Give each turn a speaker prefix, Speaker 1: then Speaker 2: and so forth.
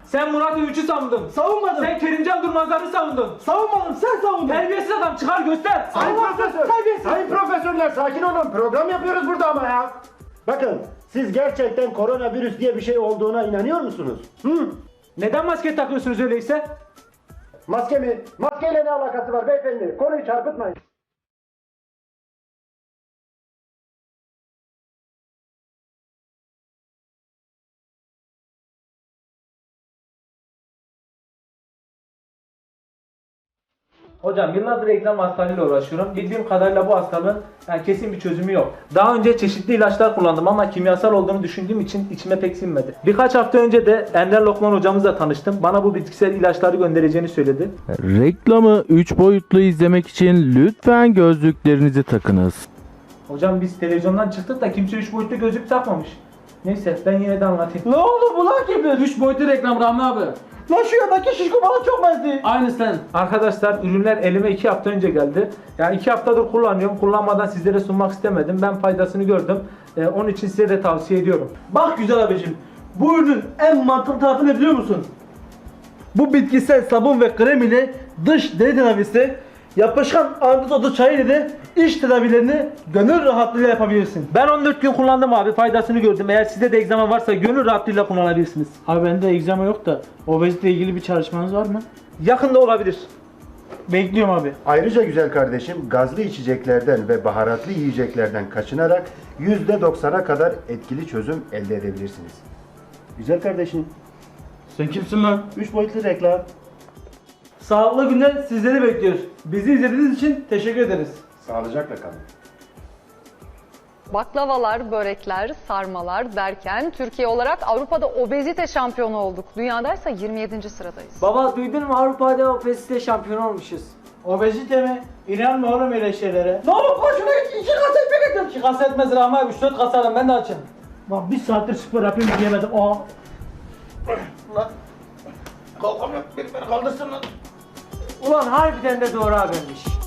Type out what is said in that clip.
Speaker 1: Sen Murat Övüç'ü savundun.
Speaker 2: Savunmadım.
Speaker 1: Sen Kerimcan Durmazlar'ı savundun.
Speaker 2: Savunmadım, sen savundun.
Speaker 1: Terbiyesiz adam, çıkar göster.
Speaker 3: Sayın
Speaker 2: Allah
Speaker 3: profesör,
Speaker 2: terbiyesiz.
Speaker 3: sayın profesörler sakin olun. Program yapıyoruz burada ama ya. Bakın siz gerçekten koronavirüs diye bir şey olduğuna inanıyor musunuz?
Speaker 1: Neden maske takıyorsunuz öyleyse?
Speaker 3: Maske mi? Maskeyle ne alakası var beyefendi? Konuyu çarpıtmayın.
Speaker 1: Hocam yıllardır egzama hastalığıyla uğraşıyorum. Bildiğim kadarıyla bu hastalığın kesin bir çözümü yok. Daha önce çeşitli ilaçlar kullandım ama kimyasal olduğunu düşündüğüm için içime pek sinmedi. Birkaç hafta önce de Ender Lokman hocamızla tanıştım. Bana bu bitkisel ilaçları göndereceğini söyledi.
Speaker 4: Reklamı 3 boyutlu izlemek için lütfen gözlüklerinizi takınız.
Speaker 1: Hocam biz televizyondan çıktık da kimse 3 boyutlu gözlük takmamış. Neyse ben yine de anlatayım.
Speaker 2: Ne oldu bu lan gibi?
Speaker 5: 3 boyutlu reklam Rahmi abi.
Speaker 2: Lan şu yandaki şişko bana çok benziyor.
Speaker 5: Aynı sen.
Speaker 1: Arkadaşlar ürünler elime 2 hafta önce geldi. Yani 2 haftadır kullanıyorum. Kullanmadan sizlere sunmak istemedim. Ben faydasını gördüm. Onun için size de tavsiye ediyorum.
Speaker 2: Bak güzel abicim, bu ürünün en mantıklı tarafı ne biliyor musun? Bu bitkisel sabun ve krem ile dış deri tedavisi, yapışkan andız otu çayı ile de iç tedavilerini gönül rahatlığıyla yapabilirsin.
Speaker 1: Ben 14 gün kullandım abi. Faydasını gördüm. Eğer sizde de egzama varsa gönül rahatlığıyla kullanabilirsiniz.
Speaker 2: Abi bende egzama yok da obezite ile ilgili bir çalışmanız var mı?
Speaker 1: Yakında olabilir.
Speaker 2: Bekliyorum abi.
Speaker 3: Ayrıca güzel kardeşim gazlı içeceklerden ve baharatlı yiyeceklerden kaçınarak %90'a kadar etkili çözüm elde edebilirsiniz. Güzel kardeşim.
Speaker 2: Sen kimsin lan?
Speaker 3: 3 boyutlu reklam.
Speaker 2: Sağlıklı günler sizleri bekliyoruz. Bizi izlediğiniz için teşekkür ederiz.
Speaker 3: Sağlıcakla kalın.
Speaker 6: Baklavalar, börekler, sarmalar derken Türkiye olarak Avrupa'da obezite şampiyonu olduk. Dünyadaysa 27. sıradayız.
Speaker 7: Baba duydun mu, Avrupa'da obezite şampiyonu olmuşuz.
Speaker 2: Obezite mi? İnanma oğlum öyle şeylere. Ne olur koşuna git, 2 kasa ekmek getir. 2 kasa etmez Rahmi abi, 3-4 kasa alın, ben de açım. Lan bir saattir spor yapayım diyemedim. Aa.
Speaker 7: Ulan harbiden de doğru habermiş.